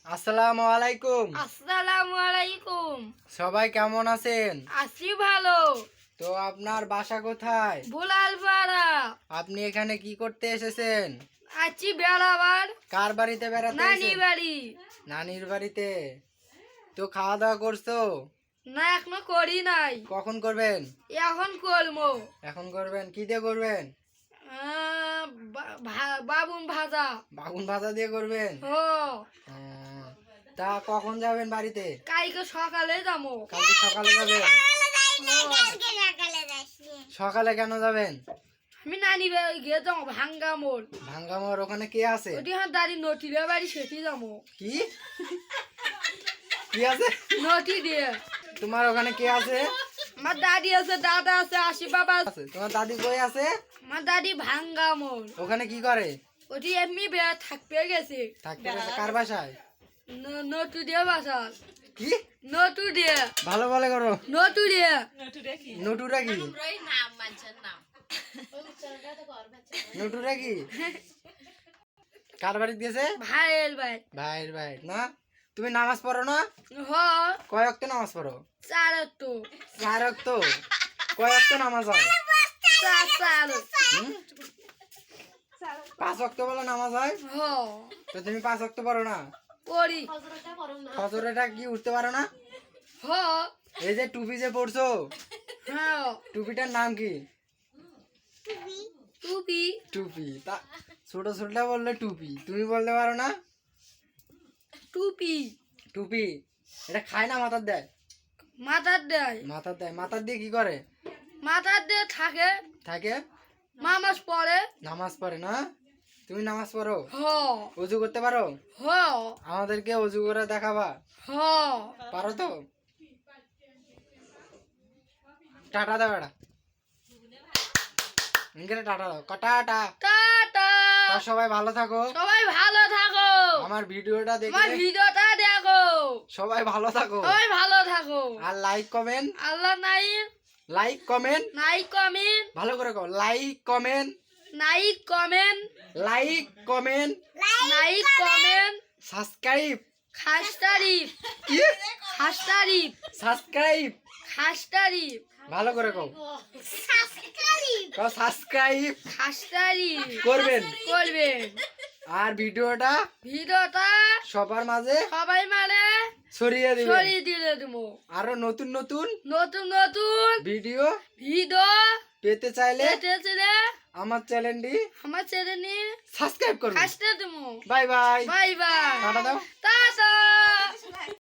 আসসালামু আলাইকুম। আসসালামু আলাইকুম। সবাই কেমন আছেন? আছি ভালো। তো আপনার বাসা কোথায়? বুলালপাড়া। আপনি এখানে কি করতে এসেছেন? আছি বেড়াবার। কার বাড়িতে বেড়াতে নানি এসেছেন? বাড়ি। নানির বাড়িতে। তো খাওয়া দাওয়া করছো? না এখনো করি নাই, কখন করবেন? এখন করবো। এখন করবেন? কি দিয়ে করবেন? বাবুন ভাজা। বাগুন ভাজা দিয়ে করবেন? ও আহ, তা কখন যাবেন বাড়িতে? কালকে সকালে যাবো। কালকে সকালে যাবেন? সকালে কেন যাবেন? আমি নানি বাড়ি গিয়ে যাবো ভাঙ্গা মোড়। ভাঙ্গামোর ওখানে কে আছে? ওটি আমার দাদি নটিরে বাড়ি সেটি যাবো। কি কি আছে? নটি দিয়ে তোমার ওখানে কে আছে? আমার দাদি আছে, দাদা আছে, আশি বাবা আছে। আছে তোমার দাদি কই আছে? আমার দাদি ভাঙ্গা মোড়। ওখানে কি করে? ওটি এমনি থাকতে গেছে। থাকতে গেছে কার বাসায়? নটু দিয়ে বাসা। কি নটু দিয়ে। ভালো বলে করো। নটু দিয়ে। নটুরা কি? নটুরা কি কার বাড়ি দিয়েছে? ভাইয়ের ভাই। ভাইয়ের ভাই না? তুমি নামাজ পড়ো না? হ কয় ওয়াক্ত নামাজ পড়ো? চার তো 4 ওয়াক্ত। কয় ওয়াক্ত নামাজ হয়? চার। হুম? 5 ওয়াক্ত বলে নামাজ হয়? হ তো তুমি 5 ওয়াক্ত পড়ো না? পড়ি। ফজরেটা কি উঠতে পারো না? হ এই যে টুপি যে পড়ছো, হ্যাঁ টুপিটার নাম কি? টুপি। টুপি। তা ছোট ছোটটা বললে টুপি, তুমি বলতে পারো না? টুপি টুপি এটা খায় না মাথার দেয়? মাথার দেয়। মাথার দেয়। মাথার দিয়ে কি করে? মাথার দিয়ে থাকে। থাকে মামাজ পড়ে। নামাজ পড়ে না? তুমি নামাজ পড়ো? হ অজু করতে পারো? হ আমাদেরকে অজু করে দেখাবা? হ পারো তো? টাটা দাও এটা। ইংরেজি টাটা দাও। টাটা। টাটা। সবাই ভালো থাকো। সবাই ভালো থাকো। আমার ভিডিওটা আমার দেখে ভিডিওটা দেখো। সবাই ভালো থাকো। সবাই ভালো থাকো। আর লাইক কমেন্ট, আল্লাহ নাই লাইক কমেন্ট নাই কমেন্ট, ভালো করে কও। লাইক কমেন্ট, নাই কমেন্ট, লাইক কমেন্ট, নাই কমেন্ট, সাবস্ক্রাইব। খাস তারিফ, কি? খাস তারিফ, সাবস্ক্রাইব। খাস তারিফ, ভালো করে কও। কও সাবস্ক্রাইব খাস তারিফ করবেন। করবেন। আর ভিডিওটা ভিডিওটা সবার মাঝে সবাই মানে ছড়িয়ে দিবেন। ছড়িয়ে দিলে দেবো। আরো নতুন নতুন নতুন নতুন ভিডিও ভিডিও পেতে চাইলে পেতেছিলে আমার চ্যানেলটি আমার চ্যানেলে সাবস্ক্রাইব করুন। খাসটা দেবো। Bye bye. Bye bye. Tata দাও। টা